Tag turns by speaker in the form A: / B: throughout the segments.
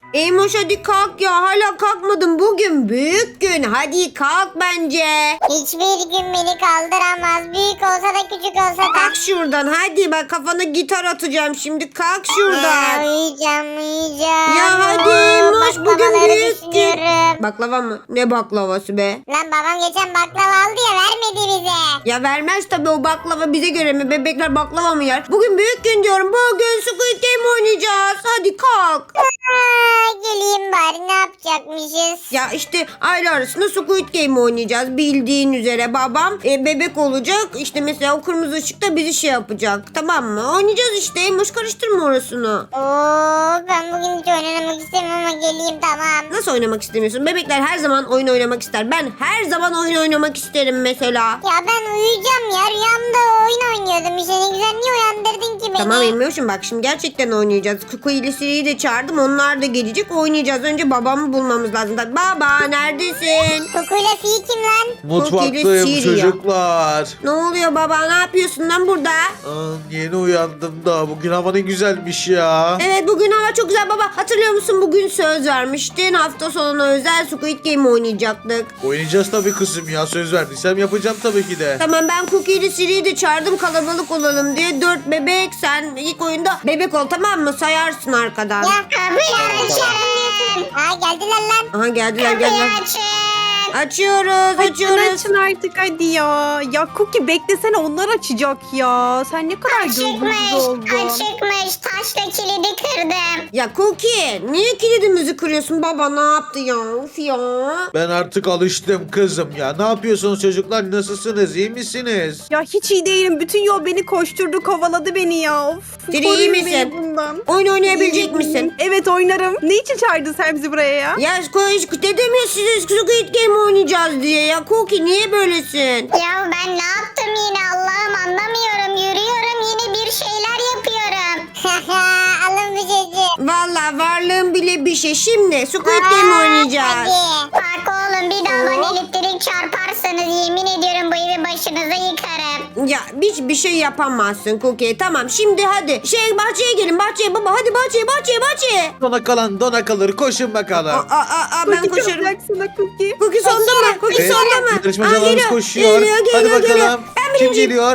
A: Eymoş hadi kalk ya. Hala kalkmadın. Bugün büyük gün. Hadi kalk bence.
B: Hiçbir gün beni kaldıramaz. Büyük olsa da küçük olsa da.
A: Kalk şuradan. Hadi bak kafana gitar atacağım şimdi. Kalk şuradan.
B: Uyuyacağım.
A: Ya hadi Eymoş bugün
B: Baklavaları
A: büyük gün.
B: düşünüyorum.
A: Baklava mı? Ne baklavası be?
B: Lan babam geçen baklava aldı ya, vermedi bize.
A: Ya vermez tabii, o baklava bize göre mi? Bebekler baklava mı yer? Bugün büyük gün diyorum. Bugün Squid Game oynayacağız. Hadi kalk.
B: Geleyim bari, ne yapacakmışız?
A: Ya işte aile arasında Squid Game oynayacağız. Bildiğin üzere babam bebek olacak. İşte mesela o kırmızı ışıkta bizi şey yapacak. Tamam mı? Oynayacağız işte. Emoş karıştırma orasını.
B: Oo, ben bugün hiç oynamak istemiyorum ama geleyim, tamam.
A: Nasıl oynamak istemiyorsun? Bebekler her zaman oyun oynamak ister. Ben her zaman oyun oynamak isterim mesela.
B: Ya ben uyuyacağım ya, rüyamda oyun oynuyordum işte, ne güzel, niye uyandırdın ki beni?
A: Tamam Emoş'um, bak şimdi gerçekten oynayacağız. Kuku ile Siri'yi de çağırdım. Onlar da gelecek. Oynayacağız. Önce babamı bulmamız lazım. Baba neredesin?
B: Kokuyla fi kim lan?
C: Mutfaktayım
A: Siri ya.
C: çocuklar.
A: Ne oluyor baba? Ne yapıyorsun lan burada?
C: Yeni uyandım da bugün hava ne güzelmiş ya.
A: Evet bugün hava çok güzel baba. Hatırlıyor musun, bugün söz vermiştin. Hafta sonuna özel Squid Game oynayacaktık.
C: Oynayacağız tabii kızım ya, söz verdiysem yapacağım tabii ki de.
A: Tamam, ben Cookie ile Siri'yi de çağırdım kalabalık olalım diye. 4 bebek, sen ilk oyunda bebek ol, tamam mı? Sayarsın arkadan.
B: Ya kapıyı açın. Ha, geldiler lan.
A: Aha geldiler.
B: Açın.
A: Açıyoruz.
D: Açın artık hadi ya. Ya Cookie beklesene, onlar açacak ya. Sen ne kadar gözünüz oldun.
B: Açıkmış. Taşla kilidi kırdım.
A: Ya Cookie niye kilidimizi kırıyorsun baba, ne yaptı ya? Of ya.
C: Ben artık alıştım kızım ya. Ne yapıyorsunuz çocuklar, nasılsınız, iyi misiniz?
D: Ya hiç iyi değilim. Bütün yol beni koşturdu, kovaladı beni ya. Of.
A: Siri, iyi
D: koruyun
A: misin?
D: beni bundan.
A: Oyun oynayabilecek misin?
D: Evet oynarım. Ne için çağırdın sen bizi buraya ya?
A: Ya dedim ya size Squid Game oynayacağız diye. Ya Cookie niye böylesin?
B: Ya ben ne yaptım yine, Allah'ım anlamıyorum. Yürüyorum, yine bir şeyler yapıyorum. Alın bu çocuğu.
A: Valla varlığın bile bir şey. Şimdi Squid Game oynayacağız.
B: Hadi. Bak oğlum, bir daha bana elektrik çarparsanız yemin ediyorum bu evi başınıza yıkarım.
A: Ya hiçbir şey yapamazsın Cookie. Tamam şimdi hadi. Bahçeye gelin, bahçeye baba. Hadi bahçeye.
C: Dona kalır, koşun bakalım.
A: Ben
D: Cookie
A: koşarım.
D: çalacaksın Cookie.
A: Cookie sonda mı? Cookie
C: Evet,
A: sonda mı?
C: yarışmacılarımız
A: Geliyor,
C: koşuyor. Hadi bakalım.
A: geliyor. Ben
C: Kim
A: birinciyim.
C: geliyor?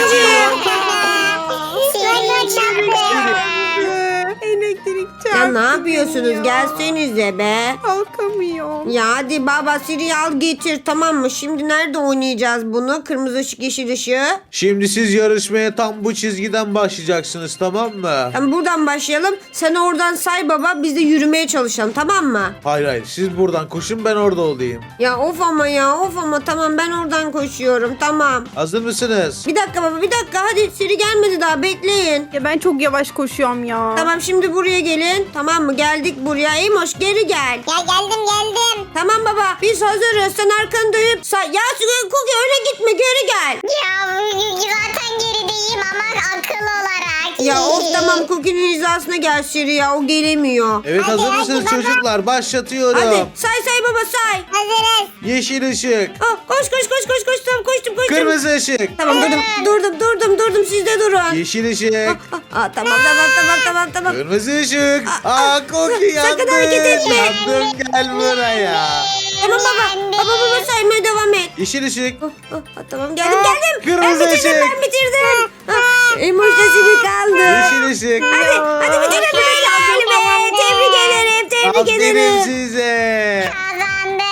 B: Sihirli çarptı.
D: Elektrik çarptı.
A: Ya ne yapıyorsunuz? Gelsenize be.
D: Kalkamıyorum.
A: Ya hadi baba Siri al getir, tamam mı? Şimdi nerede oynayacağız bunu? Kırmızı ışık, yeşil ışığı.
C: Şimdi siz yarışmaya tam bu çizgiden başlayacaksınız, tamam mı?
A: Tamam buradan başlayalım. Sen oradan say baba, biz de yürümeye çalışalım, tamam mı?
C: Hayır, siz buradan koşun, ben orada olayım.
A: Ya of ama tamam, ben oradan koşuyorum, tamam.
C: Hazır mısınız?
A: Bir dakika baba, bir dakika, hadi Siri gelmedi daha, bekleyin.
D: Ya ben çok yavaş koşuyorum ya.
A: Tamam şimdi buraya gelin, tamam mı? Geldik buraya. Eymoş geri gel.
B: Ya geldim.
A: Tamam baba, biz hazırız. Sen arkanı dönüp ya Cookie öyle gitme, geri gel.
B: Ya zaten gerideyim ama akıl olarak.
A: Ya of tamam, Cookie'nin hizasına gel Siri ya, o gelemiyor.
C: Evet,
B: Hadi,
C: hazır mısınız
B: hadi baba.
C: çocuklar? Başlatıyorum.
A: Hadi say baba say.
B: Hazırız.
C: Yeşil ışık.
A: Koş tamam, koştum.
C: Kırmızı ışık.
A: Tamam durdum, siz de durun.
C: Yeşil ışık.
A: Tamam.
C: Kırmızı ışık. Cookie yandı.
A: sakın hareket etme.
C: Yandım, gel buraya.
A: Tamam baba saymaya devam et.
C: Yeşil ışık.
A: Tamam geldim.
C: Kırmızı
A: Ben
C: ışık.
A: bitirdim. Emoş da Siri kaldı.
C: Yeşil ışık.
A: Hadi bitirelim be. Tebrik ederim.
C: Aferin size.
B: Kazandım.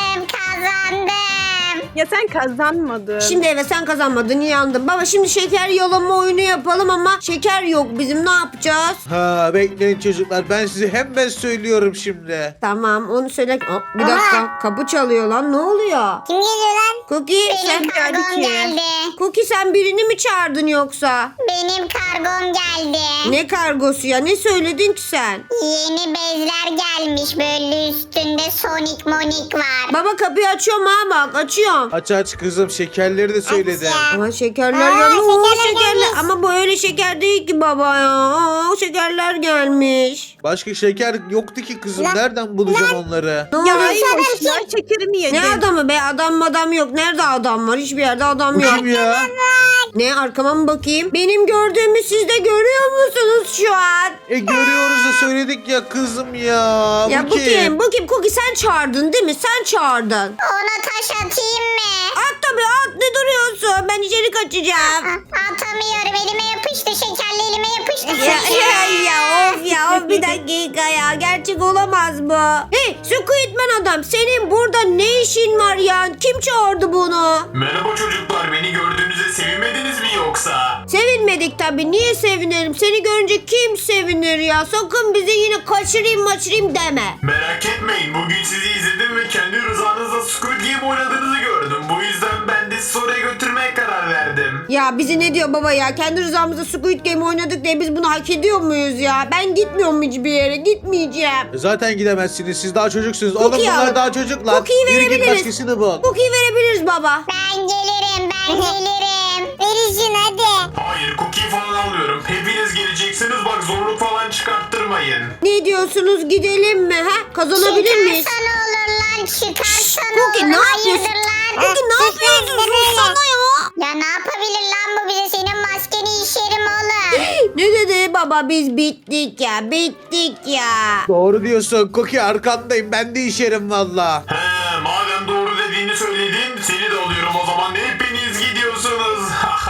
D: Ya sen kazanmadın.
A: Şimdi evet sen kazanmadın, yandın. Baba şimdi şeker yalama oyunu yapalım ama şeker yok bizim, ne yapacağız?
C: Bekleyin çocuklar, ben size hemen söylüyorum şimdi.
A: Tamam onu söyle. Bir dakika, kapı çalıyor lan, ne oluyor?
B: Kim geliyor lan?
A: Cookie sen
B: Benim kargom geldi.
A: Cookie sen birini mi çağırdın yoksa?
B: Benim kargom geldi.
A: Ne kargosu ya, ne söyledin ki sen?
B: Yeni bezler gelmiş, böyle üstünde böyle Sonic Monik var.
A: Baba kapıyı açıyorum ha, bak açıyorum.
C: Aç aç kızım, şekerleri de söyledim.
B: Aç ya.
A: Ama şekerler
B: Aa,
A: gelmiş. Oo,
B: şekerler gelmiş.
A: Ama bu öyle şeker değil ki baba ya. Aa, şekerler gelmiş.
C: Başka şeker yoktu ki kızım.
B: Lan-
C: Nereden bulacağım onları?
A: Ne
D: Ya
A: oluyor?
D: Eymoş ya şekerimi yedin.
A: Ne adamı be? Adam yok. Nerede adam var? Hiçbir yerde adam
C: Bu
A: yok.
C: kim ya?
A: Ne, arkama mı bakayım? Benim gördüğümü siz de görüyor musunuz şu an?
C: Görüyoruz da söyledik ya kızım ya.
A: Ya bu kim? Bu kim? Cookie sen çağırdın değil mi? Sen çağırdın.
B: Ona taş atayım mı?
A: At tabii at, ne duruyorsun? Ben içeri kaçacağım.
B: Atamıyorum, elime yapıştı, şekerli elime yapıştı.
A: Of bir dakika ya, gerçek olamaz bu. Hey Squidman adam, senin burada ne işin var ya? Kim çağırdı bunu?
E: Merhaba çocuklar, beni gördüğünüzde sevinmediniz mi yoksa?
A: Sevinmedik tabii, niye sevinelim? Seni görünce kim sevinir ya? Sakın bize yine kaçırayım deme.
E: Merak etmeyin, bugün sizi izledim ve kendi rızanızla Squid Game oynadığınızı gördüm. Bu yüzden ben de sizi oraya götürmeye karar verdim.
A: Ya bizi ne diyor baba ya? Kendi rızamızda Squid Game oynadık diye biz bunu hak ediyor muyuz ya? Ben gitmiyorum hiçbir yere, gitmeyeceğim.
C: Zaten gidemezsiniz. Siz daha çocuksunuz. Oğlum
A: Cookie
C: bunlar
A: al.
C: daha çocuklar.
A: Cookie'yi
C: Yürü git
A: verebiliriz.
C: başkasını bul.
A: Cookie'yi verebiliriz baba.
B: Ben gelirim. Verin hadi.
E: Hayır, cookie falan almıyorum. Hepiniz geleceksiniz, bak zorluk falan çıkarttırmayın.
A: Ne diyorsunuz, gidelim mi? Ha? Kazanabilir miyiz?
B: Çıkarsan olur lan, çıkarsan
A: Cookie,
B: olur.
A: ne
B: Hayırdır
A: yapıyorsun?
B: lan?
A: Cookie, ne yapıyorsun? Sussana ya.
B: Ya ne yapabilir lan bu bize? Senin maskeni işerim oğlum.
A: Ne dedi baba, biz bittik ya.
C: Doğru diyorsun. Cookie arkandayım. Ben de işerim valla.
E: He, madem doğru dediğini söyledin, seni de alıyorum o zaman. Hepiniz gidiyorsunuz.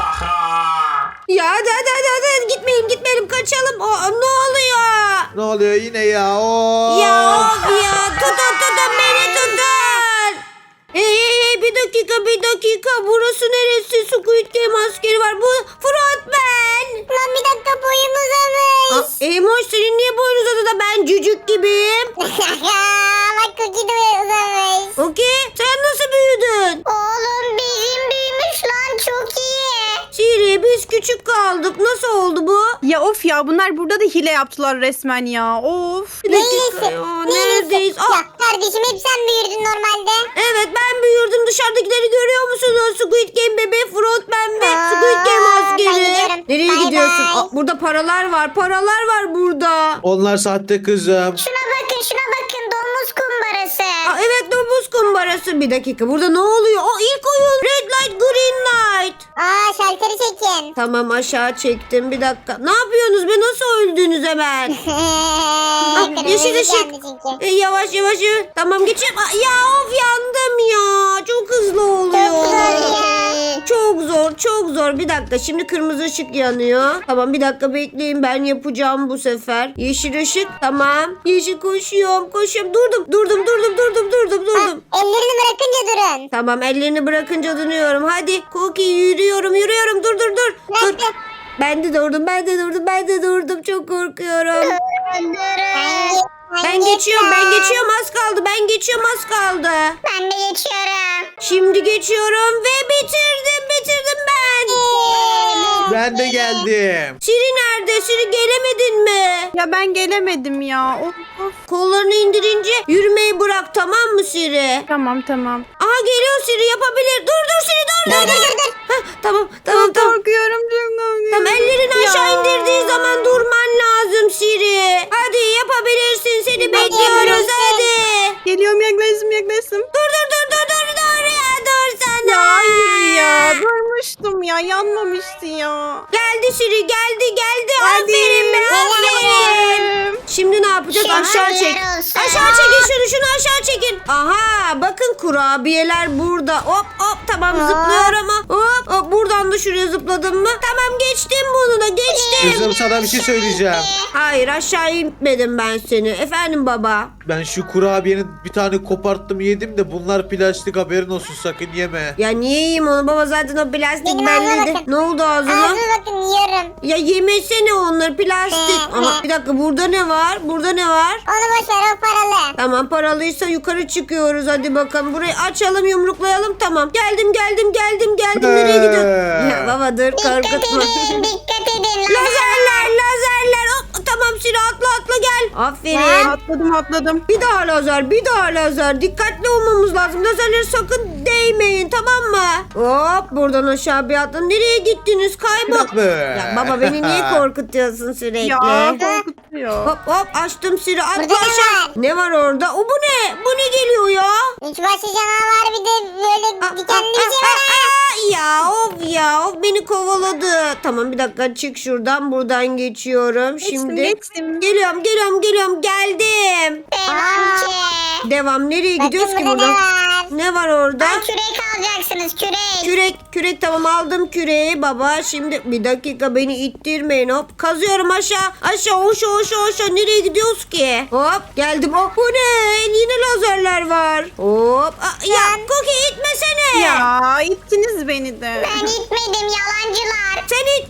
A: Ya hadi gitmeyelim kaçalım. Ne oluyor?
C: Ne oluyor yine ya? Oo.
A: Ya of ya, tutun beni tutun. Hey, bir dakika, burası neresi? Squid Game askeri var, bu Frontman.
B: Lan bir dakika, boyum uzamış.
A: Emoş, senin niye boyun uzadı da ben cücük gibiyim?
B: Bak Cookie de uzamış.
A: Okey, sen nasıl büyüdün?
B: Oğlum bizim büyümüş lan, çok iyi.
A: Siri, biz küçük kaldık, nasıl oldu bu?
D: Ya of ya, bunlar burada da hile yaptılar resmen ya. Of.
A: Bir dakika ya, neredeyiz?
B: Ya kardeşim, hep sen büyürdün normalde.
A: Evet, ben büyürdüm. Dışarıdakileri görüyor musunuz? Squid Game bebeği, Frontman ve
B: Aa,
A: Squid Game
B: ben
A: askeri.
B: gidiyorum.
A: Nereye
B: Bay
A: gidiyorsun?
B: bay.
A: Burada paralar var burada.
C: Onlar sahte kızım.
B: Şuna bakın, domuz kumbarası.
A: Evet, domuz kumbarası. Bir dakika, burada ne oluyor? İlk oyun. Red light, green light.
B: Şalteri çekin.
A: Tamam, aşağı çektim. Bir dakika. Ne yapıyorsunuz be? Nasıl öldünüz hemen? Yeşil ışık. Yavaş. Tamam, geçeyim. Ya of, yandım ya. Çok hızlı oluyor. Çok zor. Bir dakika, şimdi kırmızı ışık yanıyor. Tamam, bir dakika bekleyin, ben yapacağım bu sefer. Yeşil ışık, tamam. Yeşil, koşuyorum. Durdum.
B: Ellerini bırakınca durun.
A: Tamam, ellerini bırakınca dönüyorum. Hadi Cookie, yürüyorum. Dur.
B: Bıraktım.
A: Ben de durdum. Çok korkuyorum. Ben geçiyorum. Az kaldı.
B: Ben de geçiyorum.
A: Şimdi geçiyorum ve bitirdim ben.
C: Ben de geldim.
A: Siri nerede? Siri, gelemedin mi?
D: Ya ben gelemedim ya. Of.
A: Kollarını indirince yürümeyi bırak, tamam mı Siri?
D: Tamam.
A: Aha, geliyor Siri, yapabilir. Dur Siri, dur. Heh, tamam.
D: Korkuyorum çok.
A: Tamam, ellerini
D: Ya.
A: aşağı indirdiği zaman durman lazım Siri. Hadi, yapabilirsin, seni bekliyoruz, hadi.
D: Geliyorum, yaklaştım.
A: Dur ya, dur sana.
D: Ya hayır ya. Durmuştum ya. Yanmamıştı ya.
A: Geldi Siri, geldi. Aferin be, aferin. Şimdi ne yapacağız? Aşağı çek.
B: olsun.
A: Aşağı çekin şunu aşağı çekin. Aha, bakın kurabiyeler burada. Hop tamam, zıplıyorum ama. Hop, buradan da şuraya zıpladım mı? Tamam, geçtim bunu da, geçtim.
C: Kızım sana bir şey söyleyeceğim.
A: Hayır, aşağı inmedim ben seni. Efendim baba.
C: Ben şu kurabiyenin bir tane koparttım yedim de bunlar plastik, haberin olsun, sakın yeme.
A: Ya niye yiyeyim onu baba, zaten o plastik
B: Benim ağzıma
A: belliydi.
B: bakın.
A: Ne oldu ağzına?
B: Ağzına bakın, yiyorum.
A: Ya yemesene onları, plastik. Ama bir dakika, burada ne var?
B: Onu boş ver, o paralı.
A: Tamam, paralıysa yukarı çıkıyoruz, hadi bakalım. Burayı açalım, yumruklayalım, tamam. Geldim. Nereye gidiyorsun? Ya baba dur,
B: Dikkat
A: korkutma.
B: edin.
A: Lazerler. Hop, tamam Siri atla gel. Aferin.
D: Atladım.
A: Bir daha lazer. Dikkatli olmamız lazım. Lazerlere sakın değmeyin, tamam mı? Hop, buradan aşağı bir atlayın. Nereye gittiniz?
C: Bak be.
A: Ya baba, beni niye korkutuyorsun sürekli?
D: Ya korkutuyor.
A: Hop açtım Siri, atla
B: Burada ne
A: aşağı.
B: var?
A: Ne var orada? Bu ne? Bu ne geliyor ya?
B: Üç başlı canavar bir de böyle dikenli bir şey var.
A: Ya of beni kovaladı. Tamam, bir dakika, çık şuradan, buradan geçiyorum. Şimdi
D: Geçtim.
A: geliyorum, geldim.
B: Devam ki.
A: Devam, nereye gidiyoruz ki
B: Bakın burada
A: buradan?
B: ne var?
A: Ne var orada?
B: Kürek alacaksınız kürek.
A: Kürek tamam, aldım küreği baba. Şimdi bir dakika, beni ittirmeyin. Hop, kazıyorum aşağı aşağı. Nereye gidiyoruz ki? Hop, geldim. Oh, bu ne? Yine lazerler var. Hop. Ya Cookie, itmesene.
D: Ya ittiniz beni de.
B: Ben itmedim yalancılar.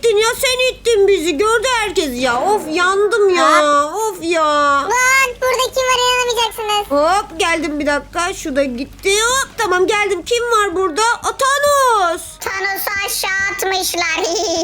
A: Sen ittin bizi. Gördü herkes ya. Of, yandım ya. Of ya.
B: Lan burada kim var inanamayacaksınız.
A: Hop, geldim, bir dakika. Şu da gitti. Hop, tamam, geldim. Kim var burada? Thanos.
B: Thanos'u aşağı atmışlar.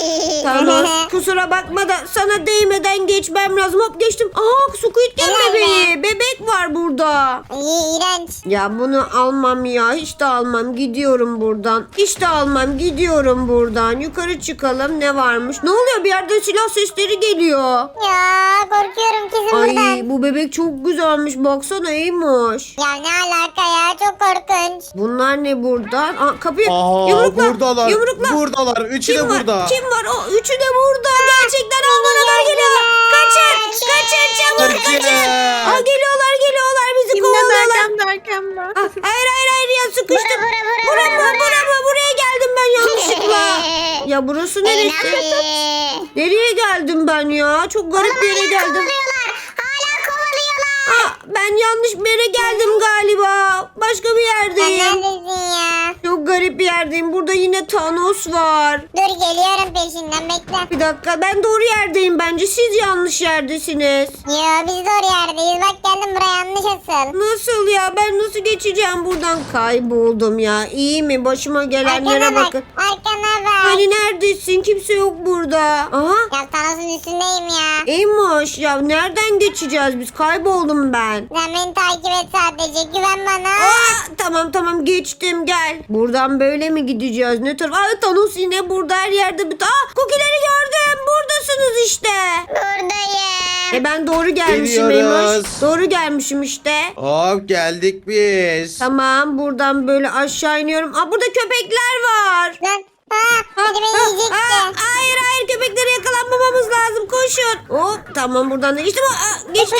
A: Thanos, kusura bakma da sana değmeden geçmem lazım. Hop, geçtim. Aha, Squid Game
B: Helal be.
A: bebeği. Bebek var burada.
B: İyi iğrenç.
A: Ya bunu almam ya. Hiç de almam. Gidiyorum buradan. Hiç de almam. Gidiyorum buradan. Yukarı çıkalım. Ne varmış? Ne oluyor? Bir yerden silah sesleri geliyor.
B: Ya korkuyorum kesin
A: Ay,
B: buradan.
A: bu bebek çok güzelmiş. Baksana, iyiymiş.
B: Ya ne alaka ya çok korkunç.
A: Bunlar ne buradan? Aa, kapıyı
C: Aa,
A: yumrukla.
C: buradalar.
A: Yumrukla.
C: Buradalar. Üçü de
A: Kim var?
C: burada.
A: Kim var? O üçü de burada. Gerçekten onlara doğru geliyor. Kaçın çabuk kaçın. Aa, geliyorlar bizi
D: Kimden
A: kovalıyorlar.
D: derken ben.
A: Ah, hayır ya, sıkıştım.
B: Bura.
A: Buraya geldim ben yanlışlıkla. Ya burası neresi? Nereye geldim ben ya? Çok garip bir yere geldim.
B: Hala kovalıyorlar.
A: Aa, ben yanlış bir yere geldim galiba. Başka bir
B: Sen
A: yerdeyim.
B: neredesin ya?
A: Çok garip bir yerdeyim. Burada yine Thanos var.
B: Dur geliyorum peşinden bekle.
A: Bir dakika, ben doğru yerdeyim bence. Siz yanlış yerdesiniz.
B: Yo biz doğru yerdeyiz. Bak geldim buraya yanlış asıl.
A: Nasıl ya? Ben nasıl geçeceğim buradan? Kayboldum ya. İyi mi? Başıma gelenlere
B: Arkana bak.
A: bakın.
B: Arkana bak.
A: Hani neredesin? Kimse yok burada. Aha.
B: Ya Thanos'un üstündeyim ya.
A: Eymoş ya, nereden geçeceğiz biz? Kayboldum ben.
B: Sen beni takip et sadece. Güven bana.
A: Tamam geçtim, gel. Buradan böyle mi gideceğiz? Ne taraf? Aa, Thanos yine burada, her yerde. Cookie'leri gördüm. Buradasınız işte.
B: Buradayım.
A: Ben doğru gelmişim
C: Geliyoruz.
A: Eymoş. Doğru gelmişim işte.
C: Hop, geldik biz.
A: Tamam, buradan böyle aşağı iniyorum. Aa, burada köpekler var.
B: Lan. Hadi beni yiyecekti.
A: Hayır, köpeklere yakalanmamamız lazım. Koşun. Hop, tamam, buradan da geçtim. Geçtim.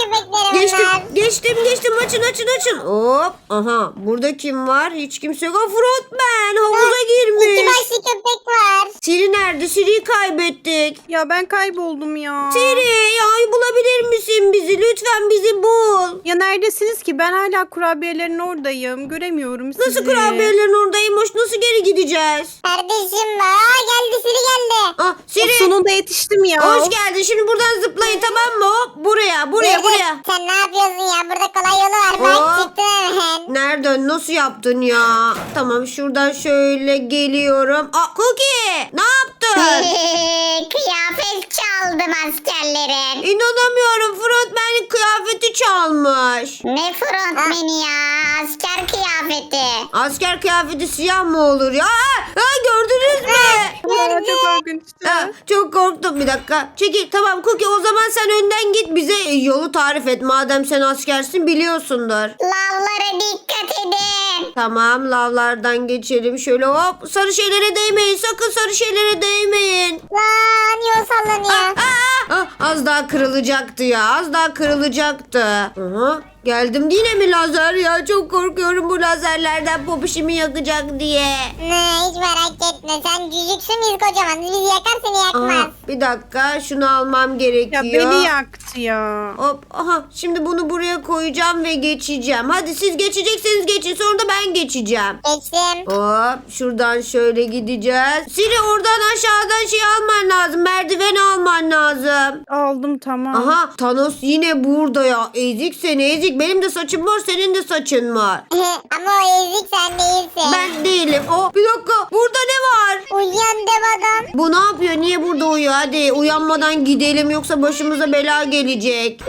A: Geçtim. Açın. Hop. Aha, burada kim var? Hiç kimse yok. Frontman havuza
B: İki
A: girmiş.
B: başlı köpek var.
A: Siri nerede? Siri'yi kaybettik.
D: Ya ben kayboldum ya.
A: Siri, ya bulabilir misin bizi? Lütfen bizi bul.
D: Ya neredesiniz ki? Ben hala kurabiyelerin oradayım. Göremiyorum sizi.
A: Nasıl kurabiyelerin oradaymış? Nasıl geri gideceğiz?
B: Kardeşim var. Geldi Siri geldi.
A: Ah,
D: Of,
A: Siri.
D: sonunda yetiştim ya.
A: Hoş geldin. Şimdi buradan zıplayın, tamam mı? Hop, buraya.
B: Dur. Sen ne yapıyorsun ya? Burada kolay yolu var. Bak
A: Hop.
B: çıktın hemen.
A: Nereden? Nasıl yaptın ya? Tamam, şuradan şöyle geliyorum. Aa, Cookie! Ne yaptın?
B: Kıyafet çaldım askerlerin.
A: İnanamıyorum. Frontman'in kıyafeti çalmış.
B: Ne frontmeni ya? Asker kıyafeti.
A: Asker kıyafeti siyah mı olur ya? Gördünüz mü?
D: Ya, çok korkunçtu.
A: Çok korktum, bir dakika. Çekil, tamam Cookie, o zaman sen önden git, bize yolu tarif et. Madem sen askersin, biliyorsundur.
B: Lavlara dikkat edin.
A: Tamam, lavlardan geçelim. Şöyle hop, sarı şeylere değmeyin. Sakın sarı şeylere değmeyin.
B: Lan yol sallanıyor.
A: Az daha kırılacaktı ya. Az daha kırılacaktı. Aha, geldim. Yine mi lazer ya? Çok korkuyorum bu lazerlerden, popişimi yakacak diye.
B: Ne hiç merak etme. Sen cücüksün biz kocaman. Bizi yakar seni yakmaz.
A: Aha, bir dakika, şunu almam gerekiyor.
D: Ya beni yaktı ya.
A: Hop, aha, şimdi bunu buraya koyacağım ve geçeceğim. Hadi siz geçecekseniz geçin, sonra da ben geçeceğim.
B: Geçtim.
A: Hop, şuradan şöyle gideceğiz. Siri, oradan aşağıdan şey alman lazım. Merdiven alman lazım.
D: Aldım tamam.
A: Aha, Thanos yine burada ya. Ezik seni, ezik. ezik. Benim de saçım var, senin de saçın var.
B: Ama o ezik sen değilsin.
A: Ben değilim. Oh, bir dakika. Burada ne var?
B: Uyuyan dev adam.
A: Bu ne yapıyor? Niye burada uyuyor? Hadi uyanmadan gidelim yoksa başımıza bela gelecek.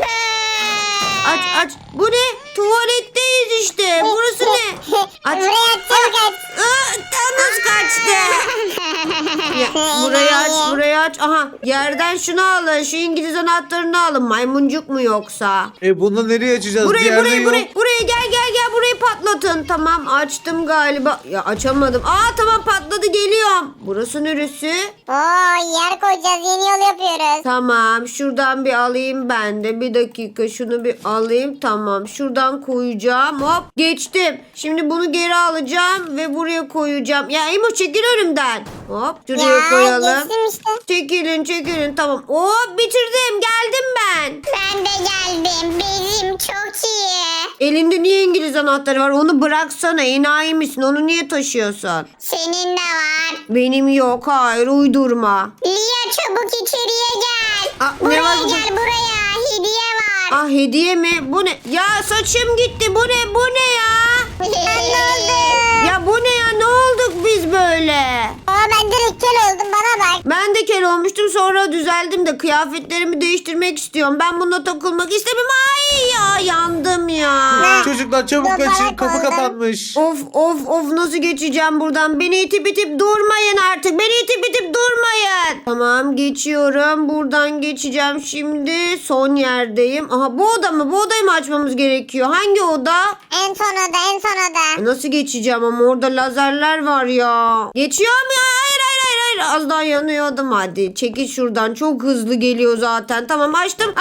A: Aç. Bu ne? Tuvaletteyiz işte. Burası ne? Aç.
B: Buraya atacağım kaç.
A: Thanos kaçtı. Ya, burayı aç. Aha, yerden şunu alın. Şu İngiliz anahtarını alın. Maymuncuk mu yoksa?
C: Bunu nereye açacağız? Bir yerde yok.
A: Buraya gel burayı patlatın. Tamam, açtım galiba. Ya açamadım. Tamam, patladı, geliyorum. Burası neresi?
B: Oo, yer koyacağız. Yeni yol yapıyoruz.
A: Tamam, şuradan bir alayım ben de. Bir dakika, şunu bir alayım. Tamam, şuradan koyacağım. Hop, geçtim. Şimdi bunu geri alacağım ve buraya koyacağım. Ya Emo, çekil önümden. Hop, şuraya koyalım.
B: Geçtim işte.
A: Çekilin. Tamam. Hop, bitirdim. Geldim ben.
B: Ben de geldim. Benim çok iyi.
A: Elinde niye İngiliz anahtarı var? Onu bıraksana. Enayi misin? Onu niye taşıyorsun?
B: Senin de var.
A: Benim yok. Hayır, uydurma.
B: Lia, çabuk içeriye gel.
A: Ne
B: Buraya
A: var burada?
B: gel, buraya. Hediye var.
A: Hediye mi? Bu ne? Ya saçım gitti. Bu ne ya?
B: Ne oldu?
A: Ya bu ne ya? Ne olduk biz böyle?
B: Ben direkt kel oldum, bana bak.
A: Ben de kel olmuştum, sonra düzeldim de kıyafetlerimi değiştirmek istiyorum. Ben bununla takılmak istemem. Ay ya, yandım ya.
C: Çocuklar çabuk
B: Baba,
C: kaçın. Kapı
B: kaldım.
C: kapanmış.
A: Of, nasıl geçeceğim buradan? Beni itip durmayın artık. Beni itip durmayın. Tamam, geçiyorum. Buradan geçeceğim şimdi. Son yerdeyim. Aha, bu oda mı? Bu odayı mı açmamız gerekiyor? Hangi oda?
B: En son oda.
A: Nasıl geçeceğim ama orada lazerler var ya. Geçiyorum ya. Hayır. Az daha yanıyordum. Hadi çekil şuradan. Çok hızlı geliyor zaten. Tamam, açtım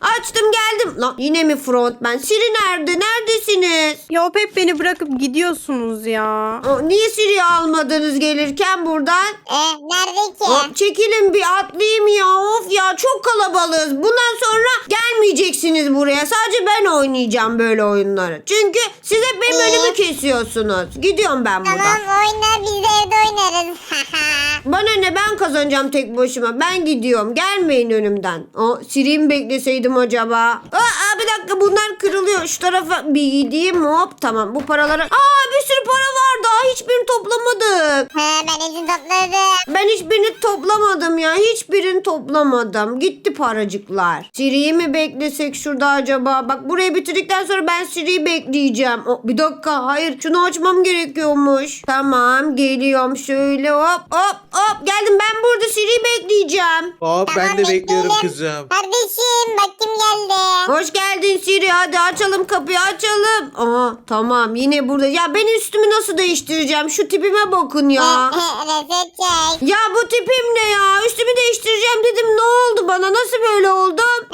A: geldim. Lan yine mi frontman? Siri nerede? Neredesiniz?
D: Ya hep beni bırakıp gidiyorsunuz ya.
A: Niye Siri'yi almadınız gelirken buradan?
B: Nerede ki?
A: Hop, çekilin bir atlayayım ya. Of ya, çok kalabalığız. Bundan sonra gelmeyeceksiniz buraya. Sadece ben oynayacağım böyle oyunları. Çünkü siz hep benim önümü kesiyorsunuz. Gidiyorum ben buradan.
B: Tamam, oyna, biz de evde oynarız.
A: Bana ne, ben kazanacağım tek başıma. Ben gidiyorum. Gelmeyin önümden. Siri'yi mi bekleseydim acaba? Bir dakika, bunlar kırılıyor. Şu tarafa bir gideyim. Hop, tamam, bu paraları. Bir sürü para var, daha hiçbirini toplamadık.
B: Ben izin topladım.
A: Ben hiçbirini toplamadım ya. Hiçbirini toplamadım. Gitti paracıklar. Siri'yi mi beklesek şurada acaba? Bak, burayı bitirdikten sonra ben Siri'yi bekleyeceğim. Bir dakika. Hayır, şunu açmam gerekiyormuş. Tamam, geliyorum. Şöyle hop. Geldim, ben burada Siri'yi bekleyeceğim.
C: Ben de
B: Tamam,
C: bekliyorum
B: bekleyelim.
C: kızım.
B: Kardeşim, bak kim geldi.
A: Hoş geldin Siri. Hadi açalım kapıyı, açalım. Tamam, yine burada. Ya ben üstümü nasıl değiştireceğim? Şu tipime bakın ya.
B: Reset çek.
A: Ya bu tipim ne ya? Üstümü değiştireceğim dedim. Ne oldu bana? Nasıl böyle oldum?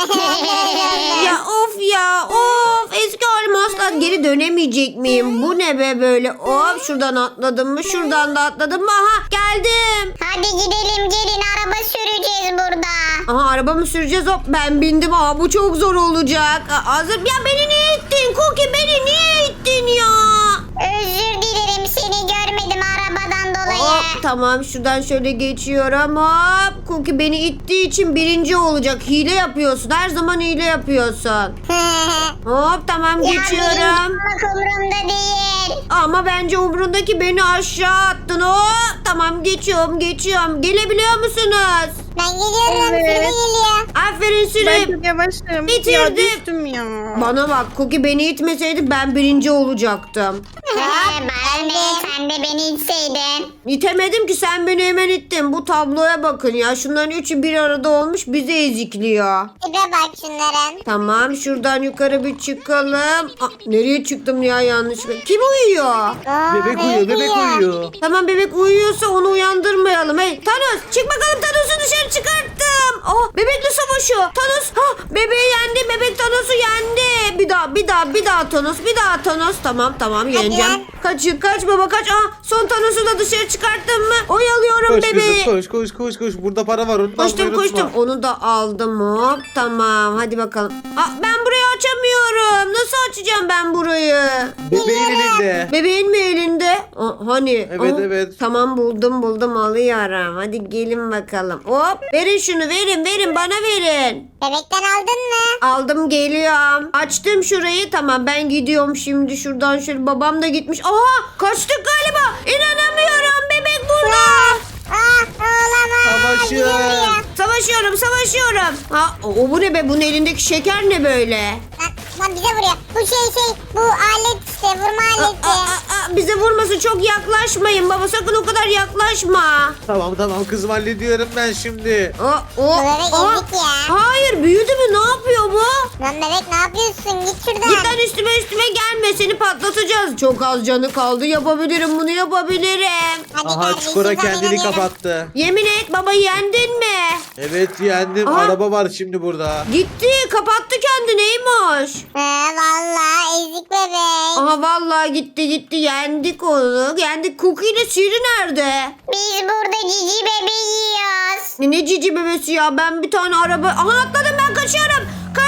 A: Ya of ya. Of. Eski halime asla geri dönemeyecek miyim? Bu ne be böyle? Hop, şuradan atladım mı? Şuradan da atladım mı? Aha, geldim.
B: Hadi gidelim, gelin, araba süreceğiz burada.
A: Aha, araba mı süreceğiz? Hop, ben bindim. Bu çok zor olacak. Hazır. Ya beni niye ittin? Cookie, beni niye ittin ya?
B: Özür dilerim, seni görmedim arabadan dolayı.
A: Hop, tamam, şuradan şöyle geçiyorum. Hop, Cookie beni ittiği için birinci olacak. Hile yapıyorsun. Her zaman hile yapıyorsun. Hop, tamam, geçiyorum.
B: Benim umurumda değil.
A: Ama bence umrundaki, beni aşağı attın. Hop, tamam, geçiyorum. Gelebiliyor musunuz?
B: Ben geliyorum,
D: Evet.
B: sürü geliyor.
A: Aferin
D: Ben
A: Sürem.
D: çok yavaşım.
A: Bitirdim.
D: Ya düştüm ya.
A: Bana bak, Cookie beni itmeseydi ben birinci olacaktım.
B: Bana ne, sen de beni içseydin.
A: İtemedim ki, sen beni hemen ittin. Bu tabloya bakın ya. Şunların üçü bir arada olmuş, bizi ezikliyor.
B: Tipe bak şunların.
A: Tamam, şuradan yukarı bir çıkalım. Nereye çıktım ya yanlışlıkla? Kim uyuyor?
C: Bebek uyuyor.
A: Tamam, bebek uyuyorsa onu uyandırmayalım. Hey Thanos, çık bakalım, Thanos'u dışarı çıkarttım. Bebekle savaşıyor. Thanos, bebeği yendi. Bebek Thanos'u yendi. Bir daha Thanos. Tamam, yeneceğim.
B: lan.
A: Kaç baba, kaç. Son Thanos'u da dışarı çıkarttım mı? Oyalıyorum
C: Koş
A: bebeği.
C: kızım koş. Burada para var, onu da almayı unutma.
A: Koştum. Onu da aldım. Hop, tamam, hadi bakalım. Ben burayı açamıyorum. Nasıl açacağım ben burayı?
C: Bebeğin elinde.
A: Bebeğin mi elinde? Hani?
C: Evet, evet.
A: Tamam buldum alıyorum. Hadi gelin bakalım. Hop verin şunu verin bana verin.
B: Bebekten aldın mı?
A: Aldım geliyorum. Açtım şurayı tamam ben gidiyorum şimdi şuradan şöyle babam da gitmiş. Aha kaçtık galiba. İnanamıyorum bebek burada.
B: Olamaz.
C: Savaşın.
B: Geliyor buraya.
A: Savaşıyorum. Ha, o bu ne be bunun elindeki şeker ne böyle?
B: Lan bize vuruyor. Bu bu alet işte vurma aleti.
A: Bize vurmasın çok yaklaşmayın baba sakın o kadar yaklaşma.
C: Tamam kızım hallediyorum ben şimdi.
B: Bu bebek ezik ya.
A: Hayır büyüdü mü ne yapıyor bu?
B: Lan bebek ne yapıyorsun? Git şuradan.
A: Git lan üstüme gelme seni patlatacağız. Çok az canı kaldı yapabilirim bunu yapabilirim.
B: Hadi
C: Aha
B: kardeşim,
C: çukura
B: ben
C: kendini
B: inanıyorum.
C: kapattı.
A: Yemin et baba yendin mi?
C: Evet yendim.
A: Aha.
C: Araba var şimdi burada.
A: Gitti kapattı kendineymiş.
B: Vallahi ezik bebek.
A: Aha vallahi gitti yendik onu. Yendik Cookie ile Siri nerede?
B: Biz burada cici bebeği yiyoruz.
A: Ne cici bebesi ya ben bir tane araba. Aha atladım ben kaçıyorum.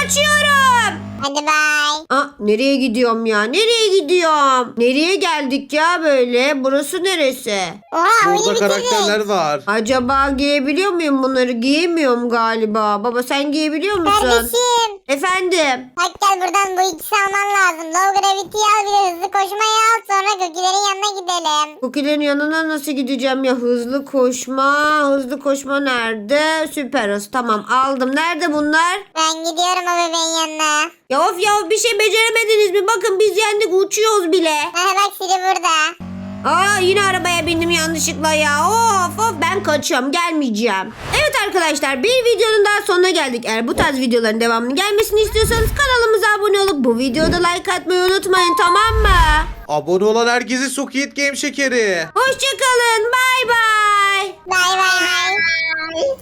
B: Hadi bay.
A: Nereye gidiyorum ya? Nereye gidiyorum? Nereye geldik ya böyle? Burası neresi?
B: Oha oyunu
C: Burada
B: bitirdik.
C: karakterler var.
A: Acaba giyebiliyor muyum bunları? Giyemiyorum galiba. Baba sen giyebiliyor musun?
B: Kardeşim.
A: Efendim?
B: Bak gel buradan bu ikisi alman lazım. Low gravity'yi al bir de hızlı koşmayı al. Sonra gökülerin yanına gidelim.
A: Cookie'lerin yanına nasıl gideceğim ya? Hızlı koşma nerede? Süper hız. Tamam aldım. Nerede bunlar?
B: Ben gidiyorum o bebeğin yanına.
A: Ya of ya bir şey beceremediniz mi? Bakın biz yendik uçuyoruz bile.
B: Bak Siri burada.
A: Yine arabaya bindim yanlışlıkla ya. Of ben kaçıyorum gelmeyeceğim. Evet arkadaşlar bir videonun daha sonuna geldik. Eğer bu tarz videoların devamını gelmesini istiyorsanız kanalımıza abone olup bu videoda like atmayı unutmayın tamam mı?
C: Abone olan herkese Squid Game şekeri.
A: Hoşçakalın bay bay.